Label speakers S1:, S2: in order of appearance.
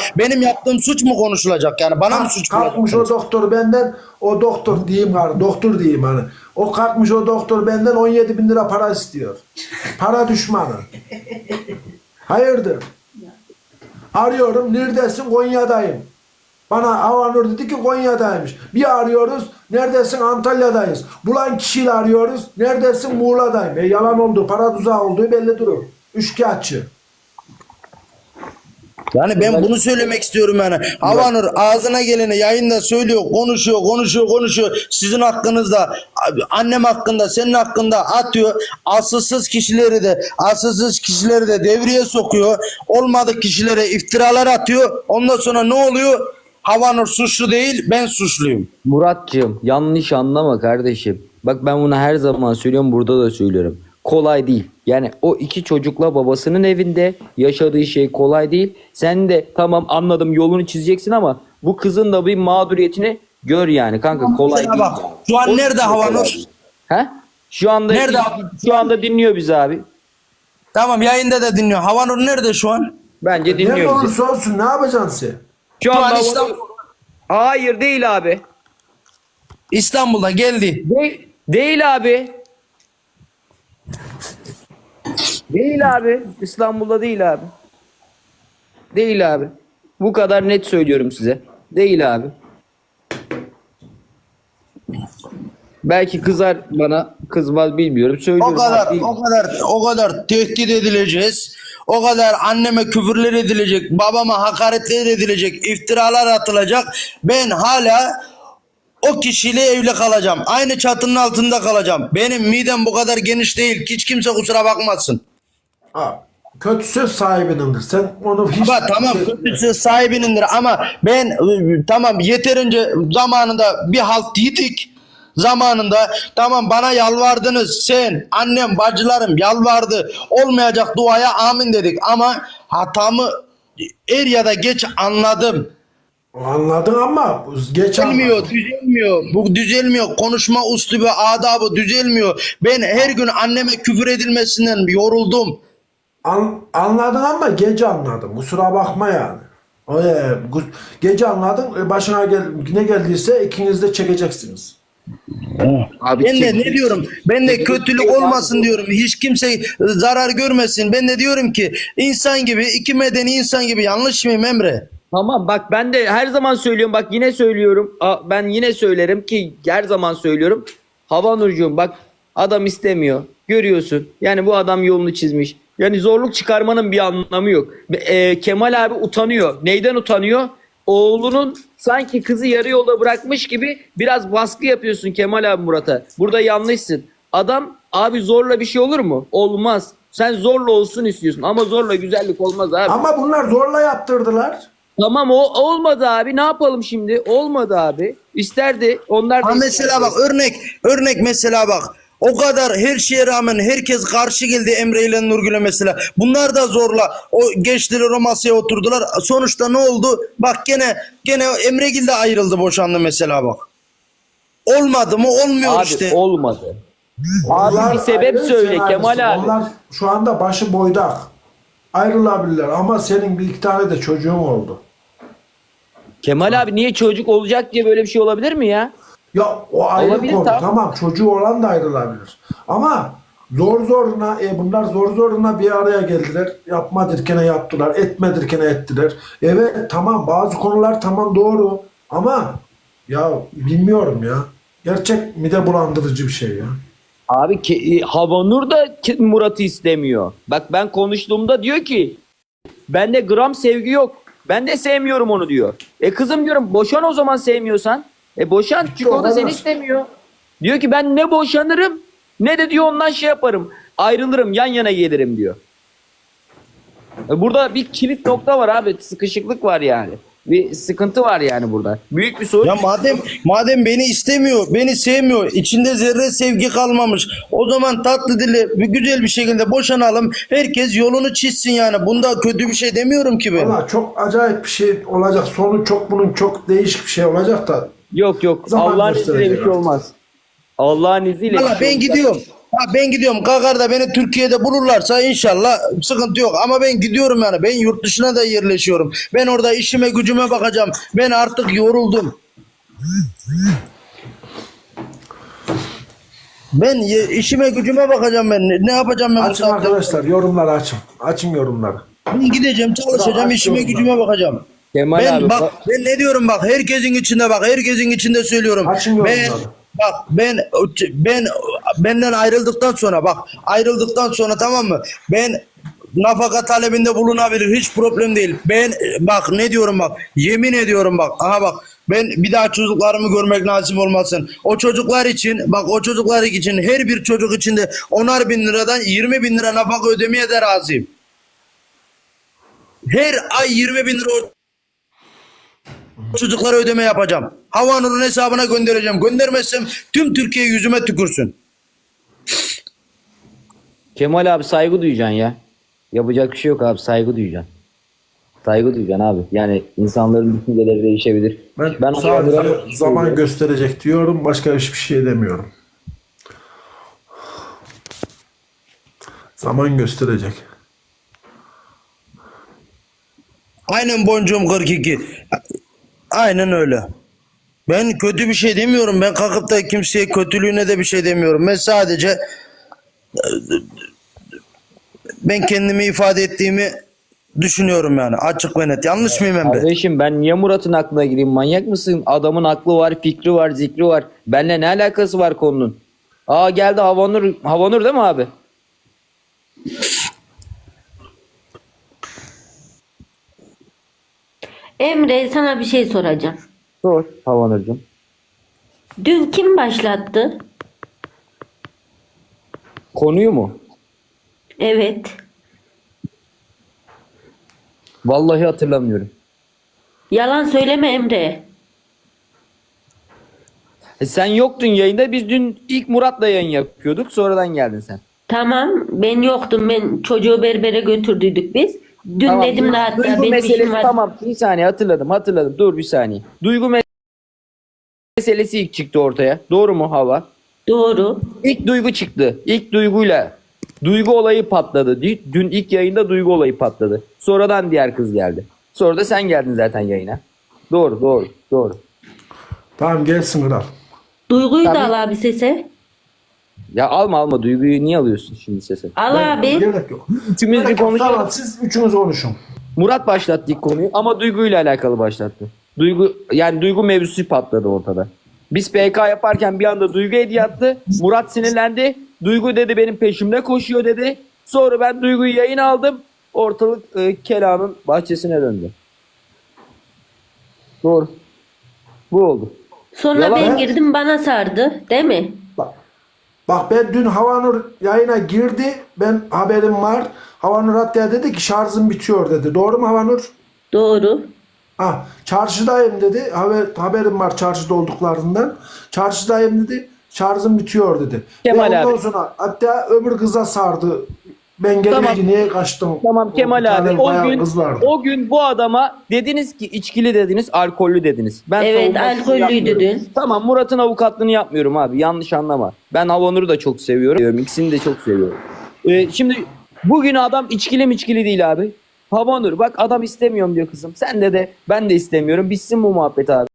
S1: benim yaptığım suç mu konuşulacak yani? Bana mı suç
S2: Kalkmış o
S1: konuşulacak?
S2: doktor benden, o doktor diyeyim gari, doktor diyeyim hani. O kalkmış o doktor benden 17 bin lira para istiyor. Para düşmanı. Hayırdır? Arıyorum, neredesin? Konya'dayım. Bana Havanur dedi ki Konya'daymış. Bir arıyoruz, neredesin? Antalya'dayız. Bulan kişiyle arıyoruz, neredesin? Muğla'dayım. Yalan olduğu, para tuzağı olduğu belli durur. Üçkağıtçı.
S1: Yani ben bunu söylemek istiyorum yani. Havanur ağzına geleni yayında söylüyor, konuşuyor. Sizin hakkınızda, annem hakkında, senin hakkında atıyor. Asılsız kişileri de devreye sokuyor. Olmadık kişilere iftiralar atıyor. Ondan sonra ne oluyor? Havanur suçlu değil, ben suçluyum.
S3: Muratcığım yanlış anlama kardeşim. Bak ben bunu her zaman söylüyorum, burada da söylüyorum. Kolay değil. Yani o iki çocukla babasının evinde yaşadığı şey kolay değil. Sen de tamam anladım yolunu çizeceksin ama bu kızın da bir mağduriyetini gör yani kanka, kolay
S1: Mesela
S3: değil.
S1: bak, şu an
S3: O
S1: nerede
S3: çok
S1: Havanur?
S3: kolay. He? Şu anda
S1: Nerede?
S3: şu anda dinliyor bizi abi.
S1: Tamam, yayında da dinliyor. Havanur nerede şu an?
S3: Bence
S2: Ne
S3: dinliyor bizi.
S2: olursa olsun ne yapacaksın sen?
S3: Şu
S1: Şu
S3: anda
S1: an İstanbul,
S3: hayır değil abi.
S1: İstanbul'da geldi.
S3: Değil abi. Değil abi. İstanbul'da değil abi. Değil abi. Bu kadar net söylüyorum size. Değil abi. Belki kızar bana, kızmaz bilmiyorum. Söylüyorum. Değil.
S1: O kadar tehdit edileceğiz. O kadar anneme küfürler edilecek, babama hakaretler edilecek, iftiralar atılacak. Ben hala o kişiyle evli kalacağım. Aynı çatının altında kalacağım. Benim midem bu kadar geniş değil. Hiç kimse kusura bakmasın.
S2: Ha, kötü söz sahibinindir. Sen onu hiç...
S1: Ama tamam, kötüsü sahibinindir ama ben tamam, yeterince zamanında bir halt yedik. Zamanında tamam, bana yalvardınız, sen, annem, bacılarım yalvardı, olmayacak duaya amin dedik ama hatamı er ya da geç anladım.
S2: Anladın ama geç anladın.
S1: Bu düzelmiyor. Konuşma üslubu, adabı düzelmiyor. Ben her gün anneme küfür edilmesinden yoruldum.
S2: Anladın ama gece anladın. Kusura bakma yani. Gece anladın. Başına ne geldiyse ikiniz de çekeceksiniz.
S3: Abi
S1: Ben de
S3: çek-
S1: ne diyorum? Ben de kötülük olmasın diyorum. Hiç kimse zarar görmesin. Ben de diyorum ki insan gibi, iki medeni insan gibi. Yanlış mıyım Emre?
S3: Tamam bak, ben de her zaman söylüyorum, bak yine söylüyorum. Ben yine söylerim ki her zaman söylüyorum. Havanurcuğum bak, adam istemiyor. Görüyorsun. Yani bu adam yolunu çizmiş. Yani zorluk çıkarmanın bir anlamı yok. Kemal abi utanıyor. Neyden utanıyor? Oğlunun sanki kızı yarı yolda bırakmış gibi biraz baskı yapıyorsun Kemal abi Murat'a. Burada yanlışsın. Adam abi zorla bir şey olur mu? Olmaz. Sen zorla olsun istiyorsun ama zorla güzellik olmaz abi.
S2: Ama bunlar zorla yaptırdılar.
S3: Tamam, o olmadı abi, ne yapalım şimdi? Olmadı abi. İsterdi. Onlar da
S1: Ha mesela bak, örnek mesela bak. O kadar her şeye rağmen herkes karşı geldi Emre ile Nurgül'e mesela. Bunlar da zorla o geçtiler, o masaya oturdular. Sonuçta ne oldu? Bak gene Emregil de ayrıldı, boşandı mesela bak. Olmadı mı? Olmuyor
S3: abi
S1: işte.
S3: olmadı.
S2: Onlar
S3: bir sebep
S2: ayrı,
S3: söyle
S2: sen
S3: Kemal
S2: ayrısın.
S3: abi.
S2: Onlar şu anda başı boydak. Ayrılabilirler ama senin bir iki tane de çocuğun oldu.
S3: Kemal abi niye çocuk olacak diye böyle bir şey olabilir mi ya?
S2: Ya o ayrı
S3: Olabilir,
S2: konu.
S3: tamam.
S2: Tamam, çocuğu olan da ayrılabilir. Ama bunlar zor zoruna bir araya geldiler. Yapma derken yaptılar. Etme derken ettiler. Evet tamam, bazı konular tamam doğru. Ama ya bilmiyorum ya. Gerçek mide bulandırıcı bir şey ya.
S3: Abi Havanur da Murat'ı istemiyor. Bak ben konuştuğumda diyor ki bende gram sevgi yok. Ben de sevmiyorum onu diyor. Kızım diyorum, boşan o zaman sevmiyorsan. Boşan, çünkü o da seni istemiyor. Diyor ki ben ne boşanırım ne de diyor ondan şey yaparım. Ayrılırım, yan yana gelirim diyor. Burada bir kilit nokta var abi. Sıkışıklık var yani. Bir sıkıntı var yani burada. Büyük bir sorun.
S1: Ya madem beni istemiyor, beni sevmiyor, içinde zerre sevgi kalmamış. O zaman tatlı dili, güzel bir şekilde boşanalım. Herkes yolunu çizsin yani. Bunda kötü bir şey demiyorum ki ben.
S2: Valla çok acayip bir şey olacak. Bunun çok değişik bir şey olacak da.
S3: Yok
S2: Zaman
S3: Allah'ın izniyle bir
S2: gösterecek
S3: şey
S2: artık.
S3: olmaz. Allah'ın izniyle.
S1: Valla ben gidiyorum. Ha, ben gidiyorum. Kakar'da beni Türkiye'de bulurlarsa inşallah sıkıntı yok. Ama ben gidiyorum yani. Ben yurt dışına da yerleşiyorum. Ben orada işime gücüme bakacağım. Ben artık yoruldum. Ben işime gücüme bakacağım ben. Ne yapacağım ben bu
S2: Açın
S1: saatte?
S2: arkadaşlar, yorumları açın. Açın yorumları.
S1: Ben gideceğim, çalışacağım,
S2: Aç
S1: işime
S2: yorumları.
S1: gücüme bakacağım.
S3: Kemal
S1: Ben
S3: abi,
S1: bak ben ne diyorum bak herkesin içinde bak herkesin içinde söylüyorum.
S2: Açın
S1: Ben
S2: yorumları.
S1: bak ben benden ayrıldıktan sonra bak ayrıldıktan sonra tamam mı? Ben nafaka talebinde bulunabilir hiç problem değil. Ben bak ne diyorum bak yemin ediyorum bak aha bak ben bir daha çocuklarımı görmek nasip olmasın. O çocuklar için bak o çocuklar için her bir çocuk için de 10'ar bin liradan 20 bin lira nafaka ödemeye de razıyım. Her ay 20 bin lira çocuklara ödeme yapacağım. Havanur'un hesabına göndereceğim. Göndermezsem tüm Türkiye yüzüme tükürsün.
S3: Kemal abi saygı duyacaksın ya. Yapacak bir şey yok abi, saygı duyacaksın. Saygı duyacaksın abi. Yani insanların düşünceleri değişebilir.
S2: Ben sadece
S3: Havanur'a-
S2: zaman gösterecek diyorum. Başka hiçbir şey demiyorum. Zaman gösterecek.
S1: Aynen boncuğum 42. Aynen öyle. Ben kötü bir şey demiyorum. Ben kalkıp da kimseye kötülüğüne de bir şey demiyorum. Ben sadece ben kendimi ifade ettiğimi düşünüyorum yani. Açık ve net. Yanlış mıyım Emre?
S3: Kardeşim ben niye Murat'ın aklına gireyim? Manyak mısın? Adamın aklı var, fikri var, zikri var. Benimle ne alakası var konunun? Aa geldi Havanur. Havanur değil mi abi?
S4: Emre, sana bir şey soracağım.
S3: Sor Havanur'cum.
S4: Dün kim başlattı?
S3: Konuyu mu?
S4: Evet.
S3: Vallahi hatırlamıyorum.
S4: Yalan söyleme Emre.
S3: Sen yoktun yayında. Biz dün ilk Murat'la yayın yapıyorduk. Sonradan geldin sen.
S4: Tamam, ben yoktum. Ben çocuğu berbere götürdüydük biz. Dün
S3: Tamam,
S4: dedim de hatta
S3: Duygu
S4: benim
S3: meselesi
S4: işim var.
S3: tamam. Bir saniye hatırladım. Dur bir saniye. Duygu meselesi ilk çıktı ortaya. Doğru mu Hava?
S4: Doğru.
S3: İlk Duygu çıktı. İlk Duygu'yla Duygu olayı patladı. Dün ilk yayında Duygu olayı patladı. Sonradan diğer kız geldi. Sonra da sen geldin zaten yayına. Doğru.
S2: Tamam, gelsin kral.
S4: Duyguyu
S3: Tabii.
S4: da al abi sese.
S3: Ya alma Duygu'yu niye alıyorsun şimdi sese?
S4: Al abi.
S2: Gerek yok.
S3: Üçümüz bir
S2: Gerek yok.
S3: konuşalım.
S2: Tamam, siz üçünüz konuşun.
S3: Murat başlattı ilk konuyu ama Duygu ile alakalı başlattı. Duygu mevzusu patladı ortada. Biz PK yaparken bir anda Duygu hediye attı. Murat sinirlendi. Duygu dedi benim peşimde koşuyor dedi. Sonra ben Duygu'yu yayın aldım. Ortalık Kela'nın bahçesine döndü. Doğru. Bu oldu.
S4: Sonra
S3: Yalan
S4: ben
S2: mı?
S4: girdim, bana sardı. Değil mi?
S2: Bak ben dün Havanur yayına girdi. Ben haberim var. Havanur hatta dedi ki şarjım bitiyor dedi. Doğru mu Havanur?
S4: Doğru.
S2: Ah, çarşıdayım dedi. Haberim var çarşıda olduklarından. Çarşıdayım dedi. Şarjım bitiyor dedi.
S3: Kemal
S2: Ve ondan
S3: abi.
S2: sonra hatta öbür kıza sardı. Ben gelince
S3: Tamam.
S2: niye kaçtım?
S3: Tamam
S2: Bir
S3: Kemal
S2: tane
S3: abi
S2: bayağı kız vardı.
S3: o gün bu adama dediniz ki içkili dediniz, alkollü dediniz. Ben
S4: Evet,
S3: savunmasını
S4: alkollüydü
S3: yapmıyorum.
S4: dün.
S3: Tamam Murat'ın avukatlığını yapmıyorum abi. Yanlış anlama. Ben Havanur'u da çok seviyorum. İkisini de çok seviyorum. Şimdi bugün adam içkili değil abi. Havanur bak adam istemiyorum diyor kızım. Sen de ben de istemiyorum. Bitsin bu muhabbet abi.